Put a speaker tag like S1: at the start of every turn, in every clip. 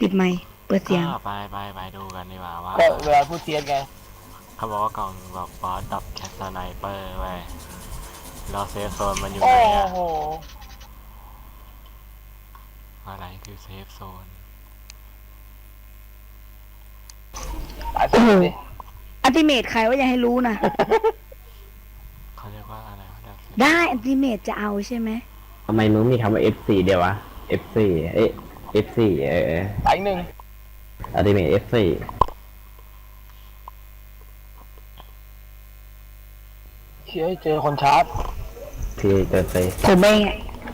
S1: ดไมค์เปิดเสียง
S2: ไปดูกันดีกว่าว่า
S3: ก็เวลาพูดเทียนไง
S2: เขาบอกว่ากล่องแบบบอสดับแคสไนเปอร์ไว้แล้วเซฟโซนมันอยู่
S3: โอ้
S2: ไหนอะ
S3: โห
S2: อะไรคือเซฟโซน
S3: ตายสิดิ
S1: อัลติเมทใครว่าอย่าให้รู้นะ
S2: เขาเรียกว่าอะไรวะ
S1: ได้อัลติเมทจะเอาใช่ไหม
S4: ทำไมมึงมีคำว่า F4 เดียววะ F4 F4
S3: ตายอีกหนึ่ง
S4: Ultimate F4
S3: เชื่อให้เจอคนชาร์จ
S4: ที่เกิดไป
S1: ผมเองอะ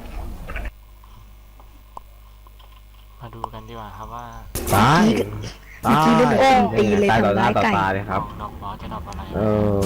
S2: มาดูกันดีกว่าครับว่า
S4: ตายตาย
S1: ตีเลย
S4: ตายต่อ
S1: ทำ
S4: หน้า
S1: ร้าย
S4: ต่อ
S1: ไก่
S4: ตาเลยครับ
S2: ดอกบอสจะดอกอะไร
S4: เออ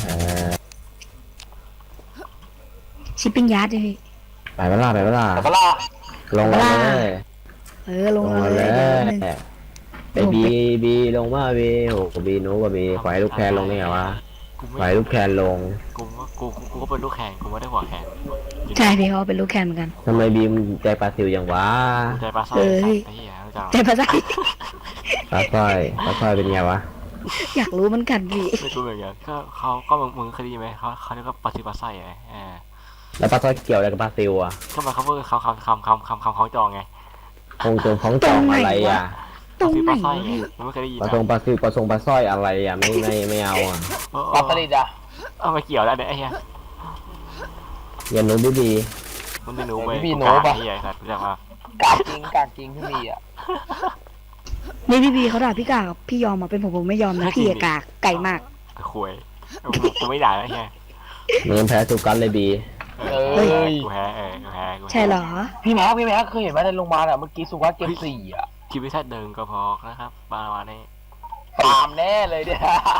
S1: ชิปปิ้งยาร์ดเลยพี่
S4: ไปเวลา
S3: แต่ก็ล่า
S4: ลงมาเลย
S1: ลงมาเล
S4: เลย
S1: เดี๋ยวนึง
S4: ไอบีลงมาบีโหบีโน้กับบีไฟลูกแคนลงนี่ไงวะไฟลูกแคนลง
S2: กูก็เป็นลูกแข่งกูไม่ได้หัวแข่ง
S1: ใช่พี่เขาเป็นลูกแคนเหมือนกัน
S4: ทำไมบีมใจปลาซิวอย่างวะ
S2: ใจปลาสร้อย
S1: เอ้ย
S2: ไอ้เหี้ยรู้จัก
S1: ใจภาษา
S4: ปลาสร้อยเป็นไงวะ
S1: อยากรู้เหมือนกันพี่
S2: ไม่รู้เหมือนกันก็มึงเคยได้ยินไหมเขาเรียกว่าปลาซิปลาสร้อยไง
S4: แล้วปลาสร้อยเกี่ยวอะไรกับปลาซิวอ่ะ
S2: ก็มาเขาเพิ่งคำเขาจองไง
S4: คงจงของจองอะไรอ่ะ
S1: ตรงไหน
S2: ปลาซิปลาสร้อยว
S1: ะ
S2: ไง
S1: พี่
S2: มึงไม่เคยได้ยิน
S4: ปลาทรงปลาซิวปลาทรงปลาสร้อยอะไรอ่ะไม่เอาอ่ะ
S3: ปลาสลิดอ่ะ
S2: เอามาเกี่ยวแล้วเนี่ยไอ้เหี้ย
S4: อย่าหนูบี
S2: มึงไม่รู้ไหม
S3: พี่
S2: กู
S3: โน้
S2: กา
S3: ปะ
S2: ไอ้เหี้ยครับรู้จักป่ะ
S3: กากจริงที่มีอ่ะ
S1: นี่พี่บีเขาด่าพี่กากพี่ยอมมาเป็นผมไม่ยอมนะพี่กากไก่มาก
S2: คุยกูไม่ด่าไอ้เหี้ย
S4: มึงแพ้สุกันเลยบี
S2: กูแพ้กูแพ้
S1: ใช่เหรอ
S3: พี่แม็กเคยเห็นไหมในโรงพยาบาลอ่ะเมื่อกี้สุวัสดิ์เก็บ4อ่ะ
S2: ชีวิตแค่เดินก็พอนะครับประมาณนี้
S3: ตามแน่เลยเนี่ย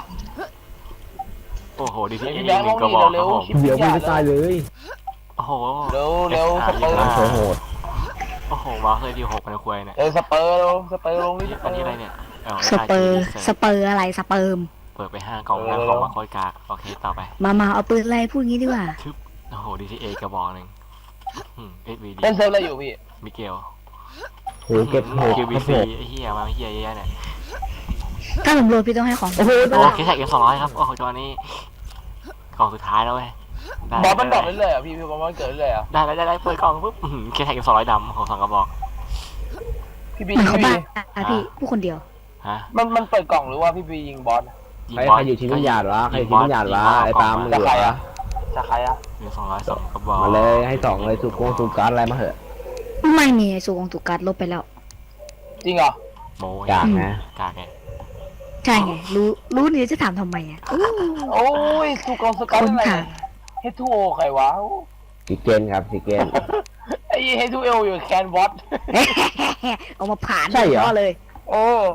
S2: โอ้โหดีที่
S3: พี่
S2: เอ
S3: แบงค์
S2: หนึ่งก็บอก
S3: เร็
S2: ครับ
S3: ว
S2: ผม
S3: ๆ
S4: เดี๋ยวมึงไม่ตายเลย
S2: โอ้โห
S3: เร็วสเปอร์
S4: โคโหด
S2: โอ้โหมาเคยดี6พันคุยเนี่ย
S3: สเปอร์ลงนี่
S2: อันนี้อะไรเนี่ย
S1: สเปอร์อะไรสเปิร์ม
S2: เปิดไป5 กล่อง5 กล่องมาโคตรกากโอเคต่อไป
S1: มาเอาปืนอะไรพูดงี้ดีกว่า
S2: ทึบโอ้โหดีที่เอกระบอกหนึ่งเอสวีดี
S3: เล่นเซิร์ฟอะไรอยู่พี่
S2: มิเกล
S4: โหเก็บโห
S2: คิวบี
S4: โห
S2: ซีไอ้เหี้ยมาเหี้ยเยอะเนี่ย
S1: ถ้าผมโหลดพี่ต้องให้ของ
S4: โอ้โห
S2: โอ้เคสแท็ก200ครับโอ้โหตัวนี้กล่องสุดท้ายแล้วเว้ย
S3: บอสมันดรอปเรื่อยๆอ่ะพี่บอสมันเกิดเรื่อยๆอ่ะ
S2: ได้เปิดกล่องปุ๊บเคสแท็ก200ดำโอ้โห2 กระบอก
S3: พี่บี
S1: เหมือนเขา
S3: พี่
S1: บ้าพี่ผู้คนเดียว
S2: ฮะ
S3: มันเปิดกล่องหรือว่าพี่บียิงบอส
S4: ใครอยู่ที่วิญญาณวะใครอยู่ที่วิญญาณวะไอ้ตามมึง
S3: จะ
S4: เหร
S3: ใคร
S4: อ
S3: อ่ะจะใครอ่ะ
S2: มี202 กระบอก
S4: มาเลยให้สองเลยสุการอะไรมาเหอะ
S1: ไม่มีสูงของถูกการลบไปแล้ว
S3: จริงเหรอ
S2: โม
S4: กากนะ
S2: กากไง
S1: ใช่ไงรู้นี่จะถามทำไมอ่ะ
S3: โอ้ยสุกองสกัดอะไรเฮทูโอใครวะ
S4: สิเกนครับสิเกน
S3: ไอ้เฮทูเอลอยู่แคนวอต
S1: เอามาผ่าน
S4: ใช่เหรอ
S1: เลย
S3: โอ้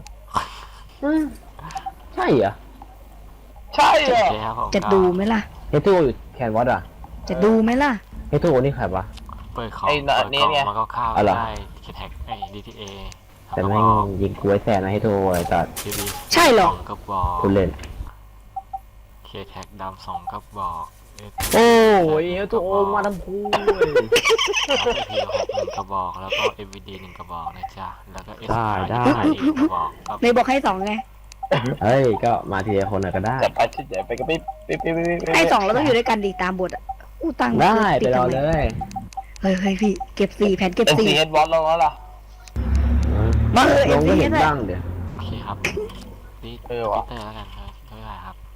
S4: ใช่เหรอ
S3: ใช่เหรอ
S2: โอเคครับผม
S1: จะดูไหมล่ะ
S4: เฮทูอยู่แคนวอตอ่ะ
S1: จะดูไหมล่ะ
S4: เฮทูนี่ใครวะ
S2: เปิดของมาเข้าวได้เคสแท็กไอ้ดีทีเอ
S4: แต่แม่งยิงกล้วยแสนนะเฮทูไอ้ตัด
S1: ใช่เหรอ
S2: 2 กระบอก
S4: คุณเล่น
S2: เคแท็กดำ2 กระบอก
S4: โอ้ยเฮทูมาทำพูด
S2: ที6 1 กระบอกแล้วก็ MVD 1 กระบอกนะจ๊ะแล้วก็
S4: ได้
S2: 1 กระบอก
S1: ในบอกให้2ไง
S4: เฮ้ยก็มาทีละคนก็ได้
S3: แต่ไปก็ไป
S1: ให้2แล้วต้องอยู่ด้วยกันดีตามบทอ่ะอู้ตัง
S4: ได้ไปรอเลย
S1: เฮ้ยพี่เก็บ4แผ่นเก็บ
S3: เป็นซีเฮดวอตลงแล้วล่ะ
S1: มา
S4: ลงก็
S1: เอ็มซี
S4: เห็น
S1: เลย
S4: บ้างเดี๋ยว
S2: โอเคครับนี่
S3: ว่ะ
S2: เตอร์แล้วกันบ๊ายบายครับ